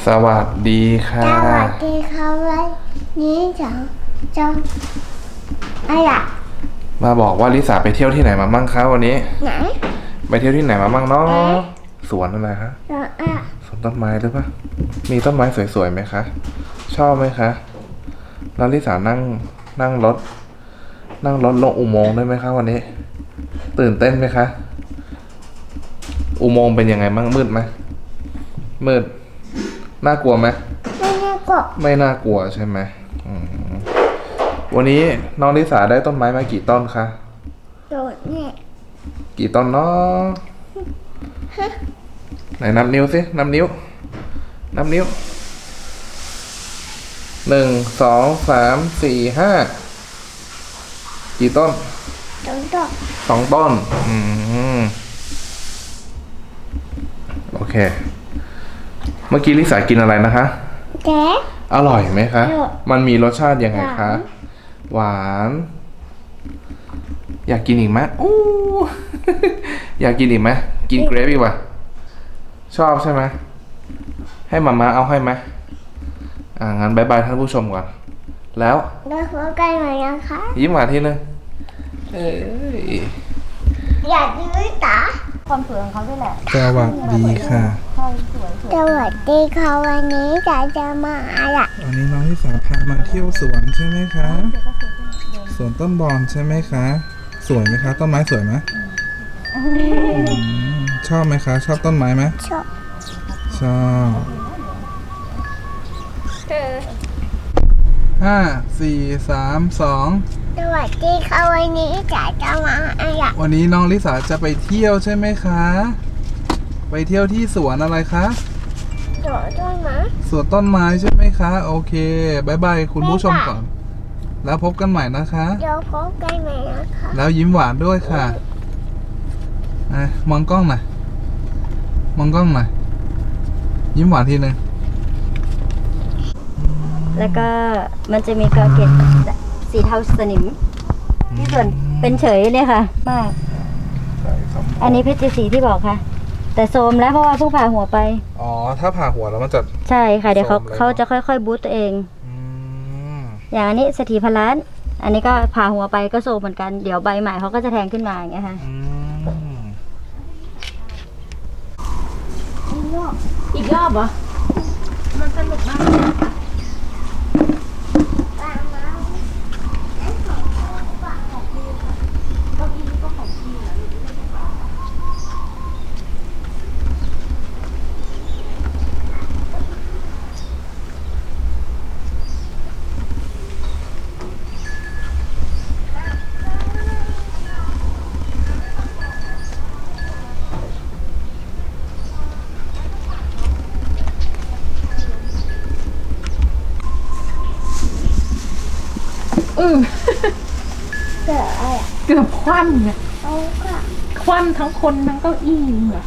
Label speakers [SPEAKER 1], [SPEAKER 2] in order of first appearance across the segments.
[SPEAKER 1] สวัสดีค่ะ
[SPEAKER 2] สวัสดีครับวันนี้จะอะไร
[SPEAKER 1] มาบอกว่าลิสาไปเที่ยวที่ไหนมามั่งคะวันนี้
[SPEAKER 2] ไหน
[SPEAKER 1] ไปเที่ยวที่ไหนมามั่งเนาะสวนอะไรคะสวนต้นไม้หรือเปล่ามีต้นไม้สวยๆไหมคะชอบไหมคะแล้วลิสานั่งรถลงอุโมงค์ได้ไหมคะวันนี้ตื่นเต้นไหมคะอุโมงค์เป็นยังไงบ้างมืดไหมมืดน่ากลัวไหม
[SPEAKER 2] ไม่น่ากลัว
[SPEAKER 1] ไม่น่ากลัวใช่ไหมวันนี้น้องลิสาได้ต้นไม้มากี่ต้นคะ
[SPEAKER 2] โดดเนี่ย
[SPEAKER 1] กี่ต้นเนาะไหนนับนิ้วสินับนิ้ว1 2 3 4 5กี่ต้น2 ต้นโอเคเมื่อกี้ลิสากินอะไรนะคะ
[SPEAKER 2] แจ๊
[SPEAKER 1] อร่อยไหมคะมันมีรสชาติยังไงคะหวานอยากกินอีกไหมอู้ อยากกินอีกไหมกินเกรฟอีกว่ะชอบใช่ไหมให้มาม่าเอาให้ไหมงั้นบายบายท่านผู้ชมก่อนแล้ว
[SPEAKER 2] พบกันใหม่นะคะ
[SPEAKER 1] ยิ้มหวานทีนึง
[SPEAKER 2] อยากยืดตา
[SPEAKER 3] ความสวยของเขาด้วยแหละ
[SPEAKER 1] สวัสดีค่ะ
[SPEAKER 2] สวัสดีค่ะวันนี้จะมาอะไร
[SPEAKER 1] วันนี้น้องลิสาพามาเที่ยวสวนใช่ไหมคะสวนต้นบอนใช่ไหมคะสวยไหมคะต้นไม้สวยไหมชอบไหมคะชอบต้นไม้ไหมชอบ5 4 3 2
[SPEAKER 2] สวัสดีค่ะวันนี้จะมาอะไร
[SPEAKER 1] วันนี้น้องลิสาจะไปเที่ยวใช่ไหมคะไปเที่ยวที่สวนอะไรคะ
[SPEAKER 2] สวนต้นไม้
[SPEAKER 1] สวนต้นไม้ใช่ไหมคะโอเคบายบายคุณผู้ชมก่อนแล้วพบกันใหม่นะคะ
[SPEAKER 2] เดี๋ยวพบกันใหม่นะคะ
[SPEAKER 1] แล้วยิ้มหวานด้วยค่ะมองกล้องหน่อยยิ้มหวานทีนึง
[SPEAKER 3] แล้วก็มันจะมีกระเกตสีเทาสนิมที่ส่วนเป็นเฉยเนี่ยค่ะมากอันนี้เพชรสีที่บอกค่ะแต่โซมแล้วเพราะว่าเพิ่งผ่าหัวไป
[SPEAKER 1] ถ้าผ่าหัวแล้วมันจะ
[SPEAKER 3] ใช่ค่ะเดี๋ยวเขาจะค่อยๆบูตตัวเองอย่างอันนี้สถีพลานอันนี้ก็ผ่าหัวไปก็โซมเหมือนกันเดี๋ยวใบใหม่เขาก็จะแทงขึ้นมาอย่างเงี้ยค่ะอีกรอบเหรอมันสนุกมากเกือบคว่ำเนี่ยคว่ำทั้งคนทั้งเก้าอี้เนี่ย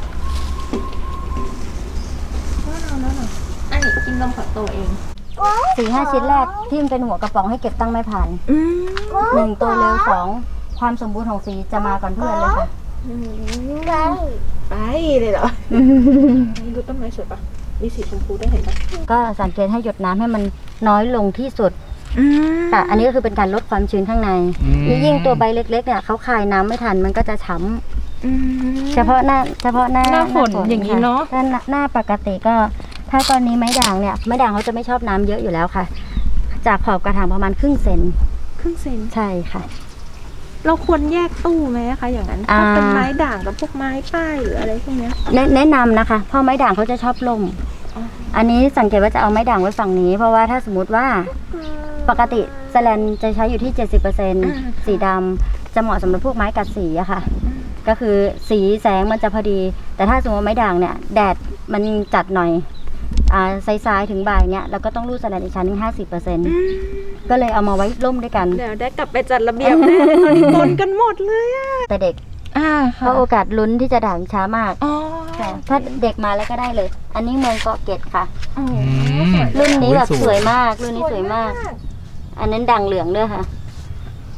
[SPEAKER 3] อันนี้กินนมกับตัวเอง4-5 ชิ้นแรกที่มันเป็นหัวกระป๋องให้เก็บตั้งไม่ผ่าน1ตัวเร็ว2ความสมบูรณ์ของสีจะมาก่อนเพื่อนเลยค่ะ
[SPEAKER 2] ไป
[SPEAKER 4] เลยเหรอดูต้นไม้สวยปะมีสีชมพูได้เห็นปะ
[SPEAKER 3] ก็สังเกตให้หยดน้ำให้มันน้อยลงที่สุดแต่อันนี้ก็คือเป็นการลดความชื้นข้างในยิ่งตัวใบเล็กๆเนี่ยเขาคายน้ำไม่ทันมันก็จะช้ำเฉพาะหน้า
[SPEAKER 4] ฝนอย่างนี้เนาะ
[SPEAKER 3] ถ้าหน้าปกติก็ถ้ากรณีไม้ด่างเนี่ยไม้ด่างเขาจะไม่ชอบน้ำเยอะอยู่แล้วค่ะจากขอบกระถางประมาณครึ่งเซนใช่ค่ะ
[SPEAKER 4] เราควรแยกตู้ไหมคะอย่างนั้นถ้าเป็นไม้ด่างกับพวกไม้ป้ายหรืออะไรพวกนี้
[SPEAKER 3] แนะนำนะคะเพราะไม้ด่างเขาจะชอบลมอันนี้สังเกตว่าจะเอาไม้ด่างไว้ฝั่งนี้เพราะว่าถ้าสมมติว่าปกติแสแลนจะใช้อยู่ที่ 70% สีดำจะเหมาะสำหรับพวกไม้กัดสีอะค่ะก็คือสีแสงมันจะพอดีแต่ถ้าสมมติไม้ด่างเนี่ยแดดมันจัดหน่อยซ้ายถึงบ่ายเนี่ยเราก็ต้องรูดแสแลนอีกชั้นนึง 50% ก็เลยเอามาไว้ร่มด้วยกัน
[SPEAKER 4] เดี๋ยวได้กลับไปจัดระเบียบแน่ตอนนี้ปนกันหมดเลยอะ
[SPEAKER 3] แต่เด็กเพราะโอกาสลุ้นที่จะด่างช้ามากถ้าเด็กมาแล้วก็ได้เลยอันนี้เมืองเกาะเกร็ดค่ะรุ่นนี้แบบสวยมากรุ่นนี้สวยมากอันนั้นด่างเหลืองด้วยค่ะ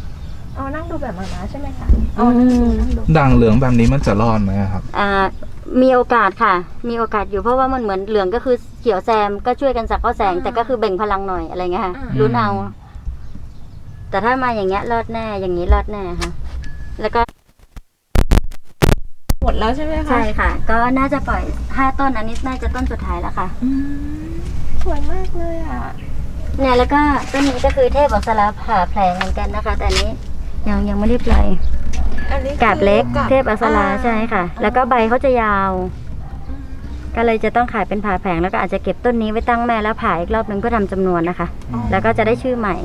[SPEAKER 4] นั่งดูแบบมาใช่ไหมคะ
[SPEAKER 1] ด่างเหลืองแบบนี้มันจะรอดไหมครับ
[SPEAKER 3] มีโอกาสค่ะ มีโอกาสอยู่เพราะว่ามันเหมือนเหลืองก็คือเขียวแซมก็ช่วยกันสักก็แสง แต่ก็คือเบ่งพลังหน่อยอะไรเงี้ยค่ะลุ้นเอา แต่ถ้ามาอย่างเงี้ยรอดแน่อย่างนี้รอดแน่ค่ะ แล้วก็
[SPEAKER 4] หมดแล้วใช่ไหมคะ
[SPEAKER 3] ใช่ค่ะ ก็น่าจะปล่อย5 ต้นอันนี้น่าจะต้นสุดท้ายแล้วค่ะ
[SPEAKER 4] อืมสวยมากเลยอ่ะ
[SPEAKER 3] เนี่ยแล้วก็ต้นนี้ก็คือเทพอักษราผ่าแผลงเหมือนกันนะคะ แต่อันนี้ยังไม่ได้ปล่อย
[SPEAKER 4] อันนี้
[SPEAKER 3] กาบเล็ก
[SPEAKER 4] คือ
[SPEAKER 3] เทพอักษราใช่ค่ะ แล้วก็ใบเขาจะยาว ก็เลยจะต้องขายเป็นผ่าแผงแล้วก็อาจจะเก็บต้นนี้ไว้ตั้งแม่แล้วผ่าอีกรอบนึงเพื่อทำจำนวนนะคะ แล้วก็จะได้ชื่อใหม่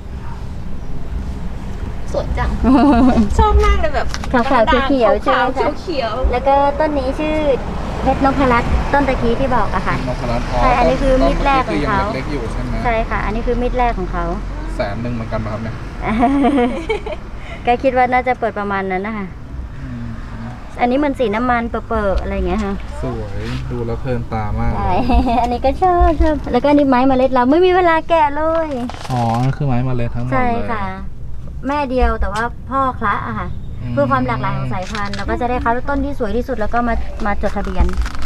[SPEAKER 4] สวยจัง ชอบมากเลยแบบ
[SPEAKER 3] ขาวๆเขียวๆใช่ไหม
[SPEAKER 4] ขาว
[SPEAKER 3] คะ
[SPEAKER 4] ๆเขียว
[SPEAKER 3] แล้วก็ต้นนี้ชื่อเพชรนพรัตน์ต้นตะกี้ที่บอกอะค่ะ
[SPEAKER 1] นพรัตน์
[SPEAKER 3] ใช่อันนี้คือมีดแรกของเขา
[SPEAKER 1] เล็กๆอยู่ใช่ไหม
[SPEAKER 3] ใช่ค่ะ อันนี้คือมีดแรกของเขา
[SPEAKER 1] 100,000เหมือนกันป่ะครับเนี่ย
[SPEAKER 3] ก็คิดว่าน่าจะเปิดประมาณนั้นนะคะ
[SPEAKER 1] อืม
[SPEAKER 3] อันนี้มันสีน้ำมันเปิดๆอะไรอย่างเงี้ยค่ะ
[SPEAKER 1] สวยดูแล้วเพลินตามากเล
[SPEAKER 3] ใช่
[SPEAKER 1] ย
[SPEAKER 3] อันนี้ก็ชอบแล้วก็อันนี้ไม้เมล็ดเราไม่มีเวลาแกะเลย
[SPEAKER 1] อ๋อนั่นคือไม้มาเลยทั้งหมด
[SPEAKER 3] ใช่
[SPEAKER 1] เลย
[SPEAKER 3] ค่ะ แม่เดียวแต่ว่าพ่อคละอะค่ะ เพื่อความหลากหลายของสายพันธุ์เราก็จะได้คัดต้นที่สวยที่สุดแล้วก็มาจดทะเบียน
[SPEAKER 1] อ